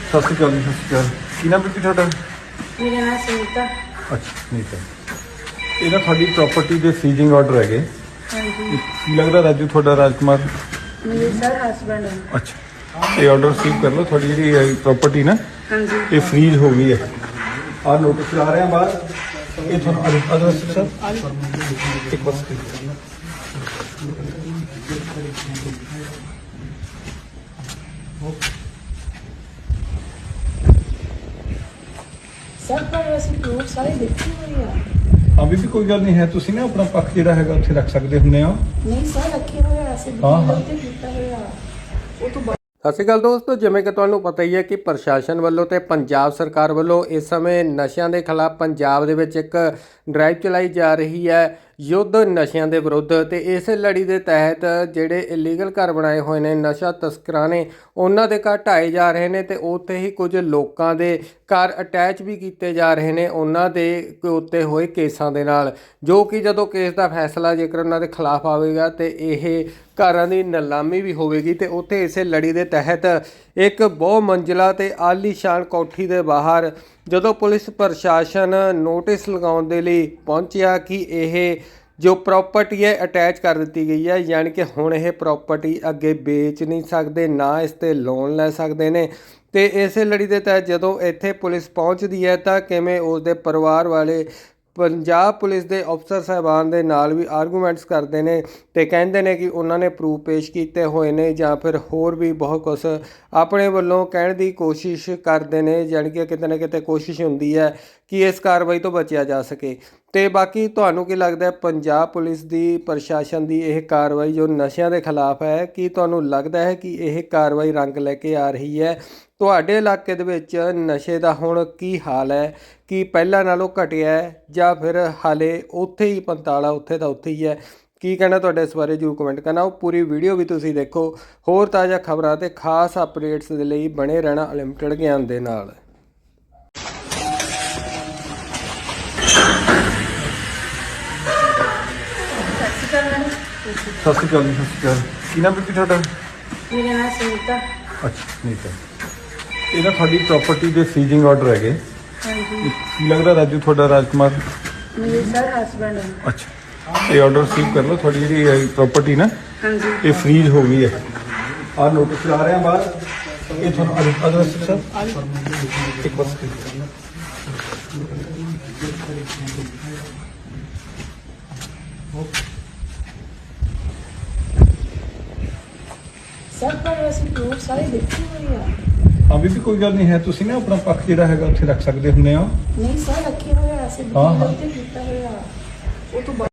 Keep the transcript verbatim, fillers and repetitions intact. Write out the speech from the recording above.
ਸਤਿ ਸ਼੍ਰੀ ਅਕਾਲ ਜੀ, ਸਤਿ ਸ਼੍ਰੀ ਅਕਾਲ। ਕੀ ਨਾਮ ਬੀਬੀ ਤੁਹਾਡਾ? ਮੇਰਾ ਨਾਮ ਸੁਨੀਤਾ। ਅੱਛਾ ਸੁਨੀਤਾ। ਇਹ ਨਾ ਤੁਹਾਡੀ ਪ੍ਰਾਪਰਟੀ ਦੇ ਸੀਜ਼ਿੰਗ ਆਰਡਰ ਹੈਗੇ। ਹਾਂਜੀ। ਕੀ ਲੱਗਦਾ ਰਾਜੂ ਤੁਹਾਡਾ ਰਾਜਕੁਮਾਰ? ਮੇਰੇ ਸਰ ਹਸਬੈਂਡ ਹੈ। ਅੱਛਾ ਇਹ ਆਰਡਰ ਰਿਸੀਵ ਕਰ ਲਓ। ਤੁਹਾਡੀ ਜਿਹੜੀ ਪ੍ਰਾਪਰਟੀ ਨਾ ਹਾਂਜੀ ਇਹ ਫਰੀਜ਼ ਹੋ ਗਈ ਹੈ। ਆਹ ਨੋਟਿਸ ਲਾ ਰਹੇ ਹਾਂ ਬਾਹਰ। ਇਹ ਤੁਹਾਨੂੰ ਅਦਰ ਸਰ ਇੱਕ ਬਸ ਸਰ ਪਰ ਅਸੀਂ ਪ੍ਰੂਫ ਸਾਰੇ ਦੇਖੇ ਹੋਏ ਆ। ਹਾਂ ਬੀਬੀ ਕੋਈ ਗੱਲ ਨਹੀਂ ਹੈ, ਤੁਸੀਂ ਨਾ ਆਪਣਾ ਪੱਖ ਜਿਹੜਾ ਹੈਗਾ ਉੱਥੇ ਰੱਖ ਸਕਦੇ ਹੁੰਦੇ ਹੋ। ਨਹੀਂ ਸਰ ਰੱਖੇ ਹੋਏ ਆ, ਅਸੀਂ ਹਾਂ, ਹਾਂ। ਉੱਤੇ ਕੀਤਾ ਹੋਇਆ ਉਹ ਤੋਂ ਸਤਿ ਸ਼੍ਰੀ ਅਕਾਲ ਦੋਸਤੋ, ਜਿਵੇਂ ਕਿ ਤੁਹਾਨੂੰ ਪਤਾ ਹੀ ਹੈ ਕਿ ਪ੍ਰਸ਼ਾਸਨ ਵੱਲੋਂ ਤੇ ਪੰਜਾਬ ਸਰਕਾਰ ਵੱਲੋਂ ਇਸ ਸਮੇਂ ਨਸ਼ਿਆਂ ਦੇ ਖਿਲਾਫ ਪੰਜਾਬ ਦੇ ਵਿੱਚ ਇੱਕ ਡਰਾਈਵ ਚਲਾਈ ਜਾ ਰਹੀ ਹੈ, ਯੁੱਧ ਨਸ਼ਿਆਂ ਦੇ ਵਿਰੁੱਧ। ਤੇ ਇਸ ਲੜੀ ਦੇ ਤਹਿਤ ਜਿਹੜੇ ਇਲੀਗਲ ਘਰ ਬਣਾਏ ਹੋਏ ਨੇ ਨਸ਼ਾ ਤਸਕਰਾਂ ਨੇ, ਉਹਨਾਂ ਦੇ ਘਰ ਢਾਏ ਜਾ ਰਹੇ ਨੇ ਤੇ ਉੱਥੇ ਹੀ ਕੁਝ ਲੋਕਾਂ ਦੇ ਘਰ ਅਟੈਚ ਵੀ ਕੀਤੇ ਜਾ ਰਹੇ ਨੇ ਉਹਨਾਂ ਦੇ ਉੱਤੇ ਹੋਏ ਕੇਸਾਂ ਦੇ ਨਾਲ, ਜੋ ਕਿ ਜਦੋਂ ਕੇਸ ਦਾ ਫੈਸਲਾ ਜੇਕਰ ਉਹਨਾਂ ਦੇ ਖਿਲਾਫ ਆਵੇਗਾ ਤੇ ਇਹ ਘਰਾਂ ਦੀ ਨਿਲਾਮੀ ਵੀ ਹੋਵੇਗੀ। ਤੇ ਉੱਥੇ ਇਸੇ ਲੜੀ ਦੇ ਤਹਿਤ ਇੱਕ ਬਹੁ ਮੰਜ਼ਿਲਾ ਤੇ ਆਲੀਸ਼ਾਨ ਕੋਠੀ ਦੇ ਬਾਹਰ ਜਦੋਂ ਪੁਲਿਸ ਪ੍ਰਸ਼ਾਸਨ ਨੋਟਿਸ ਲਗਾਉਣ ਦੇ ਲਈ ਪਹੁੰਚਿਆ ਕਿ ਇਹ ਜੋ ਪ੍ਰਾਪਰਟੀ ਹੈ ਅਟੈਚ ਕਰ ਦਿੱਤੀ ਗਈ ਹੈ, ਯਾਨੀ ਕਿ ਹੁਣ ਇਹ ਪ੍ਰਾਪਰਟੀ ਅੱਗੇ ਵੇਚ ਨਹੀਂ ਸਕਦੇ, ਨਾ ਇਸ 'ਤੇ ਲੋਨ ਲੈ ਸਕਦੇ ਨੇ। ਤੇ ਇਸੇ ਲੜੀ ਦੇ ਤਹਿਤ ਜਦੋਂ ਇੱਥੇ ਪੁਲਿਸ ਪਹੁੰਚਦੀ ਹੈ ਤਾਂ ਕਿਵੇਂ ਉਸ ਦੇ ਪਰਿਵਾਰ ਵਾਲੇ ਪੰਜਾਬ ਪੁਲਿਸ ਦੇ ਅਫਸਰ ਸਾਹਿਬਾਨ ਦੇ ਨਾਲ ਵੀ ਆਰਗੂਮੈਂਟਸ ਕਰਦੇ ਨੇ ਤੇ ਕਹਿੰਦੇ ਨੇ ਕਿ ਉਹਨਾਂ ਨੇ ਪ੍ਰੂਫ ਪੇਸ਼ ਕੀਤੇ ਹੋਏ ਨੇ ਜਾਂ ਫਿਰ ਹੋਰ ਵੀ ਬਹੁਤ ਕੁਛ ਆਪਣੇ ਵੱਲੋਂ ਕਹਿਣ ਦੀ ਕੋਸ਼ਿਸ਼ ਕਰਦੇ ਨੇ, ਜਾਣੀ ਕਿ ਕਿਤੇ ਨਾ ਕਿਤੇ ਕੋਸ਼ਿਸ਼ ਹੁੰਦੀ ਹੈ ਕਿ ਇਸ ਕਾਰਵਾਈ ਤੋਂ ਬਚਿਆ ਜਾ ਸਕੇ। ਤੇ ਬਾਕੀ ਤੁਹਾਨੂੰ ਕੀ ਲੱਗਦਾ ਪੰਜਾਬ ਪੁਲਿਸ ਦੀ ਪ੍ਰਸ਼ਾਸਨ ਦੀ ਇਹ ਕਾਰਵਾਈ ਜੋ ਨਸ਼ਿਆਂ ਦੇ ਖਿਲਾਫ ਹੈ, ਕੀ ਤੁਹਾਨੂੰ ਲੱਗਦਾ ਹੈ ਕਿ ਇਹ ਕਾਰਵਾਈ ਰੰਗ ਲੈ ਕੇ ਆ ਰਹੀ ਹੈ? ਤੁਹਾਡੇ ਇਲਾਕੇ ਦੇ ਵਿੱਚ ਨਸ਼ੇ ਦਾ ਹੁਣ ਕੀ ਹਾਲ ਹੈ? ਕੀ ਪਹਿਲਾਂ ਨਾਲੋਂ ਘਟਿਆ ਹੈ ਜਾਂ ਫਿਰ ਹਾਲੇ ਉੱਥੇ ਹੀ ਪੰਤਾਲਾ ਉੱਥੇ ਦਾ ਉੱਥੇ ਹੀ ਹੈ? ਕੀ ਕਹਿਣਾ ਤੁਹਾਡੇ ਇਸ ਬਾਰੇ ਜ਼ਰੂਰ ਕਮੈਂਟ ਕਰਨਾ। ਉਹ ਪੂਰੀ ਵੀਡੀਓ ਵੀ ਤੁਸੀਂ ਦੇਖੋ। ਹੋਰ ਤਾਜ਼ਾ ਖਬਰਾਂ ਤੇ ਖਾਸ ਅਪਡੇਟਸ ਦੇ ਲਈ ਬਣੇ ਰਹਿਣਾ ਅਨਲਿਮਟਿਡ ਗਿਆਨ ਦੇ ਨਾਲ। ਸਤਿ ਸ਼੍ਰੀ ਅਕਾਲ ਜੀ, ਸਤਿ ਸ਼੍ਰੀ ਅਕਾਲ। ਕੀ ਨਾਮ ਬੀਬੀ ਤੁਹਾਡਾ? ਮੇਰਾ ਨਾਮ ਸੁਨੀਤਾ। ਅੱਛਾ ਸੁਨੀਤਾ। ਇਹ ਨਾ ਤੁਹਾਡੀ ਪ੍ਰਾਪਰਟੀ ਦੇ ਸੀਜ਼ਿੰਗ ਆਰਡਰ ਹੈਗੇ। ਹਾਂਜੀ। ਕੀ ਲੱਗਦਾ ਰਾਜੂ ਤੁਹਾਡਾ ਰਾਜਕੁਮਾਰ? ਮੇਰੇ ਸਰ ਹਸਬੈਂਡ ਹੈ। ਅੱਛਾ ਇਹ ਆਰਡਰ ਰਿਸੀਵ ਕਰ ਲਓ। ਤੁਹਾਡੀ ਜਿਹੜੀ ਪ੍ਰਾਪਰਟੀ ਨਾ ਹਾਂਜੀ ਇਹ ਫਰੀਜ਼ ਹੋ ਗਈ ਹੈ। ਆਹ ਨੋਟਿਸ ਲਾ ਰਹੇ ਹਾਂ ਬਾਹਰ। ਇਹ ਤੁਹਾਨੂੰ ਅਦਰ ਸਰ ਇੱਕ ਬਸ ਸਰ ਪਰ ਅਸੀਂ ਪ੍ਰੂਫ ਸਾਰੇ ਦੇਖੇ ਹੋਏ ਆ। ਹਾਂ ਬੀਬੀ ਕੋਈ ਗੱਲ ਨਹੀਂ ਹੈ, ਤੁਸੀਂ ਨਾ ਆਪਣਾ ਪੱਖ ਜਿਹੜਾ ਹੈਗਾ ਉੱਥੇ ਰੱਖ ਸਕਦੇ ਹੁੰਦੇ ਹੋ। ਨਹੀਂ ਸਰ ਰੱਖੇ ਹੋਏ ਆ, ਅਸੀਂ ਹਾਂ, ਹਾਂ। ਉੱਤੇ ਕੀਤਾ ਹੋਇਆ ਉਹ ਤੋਂ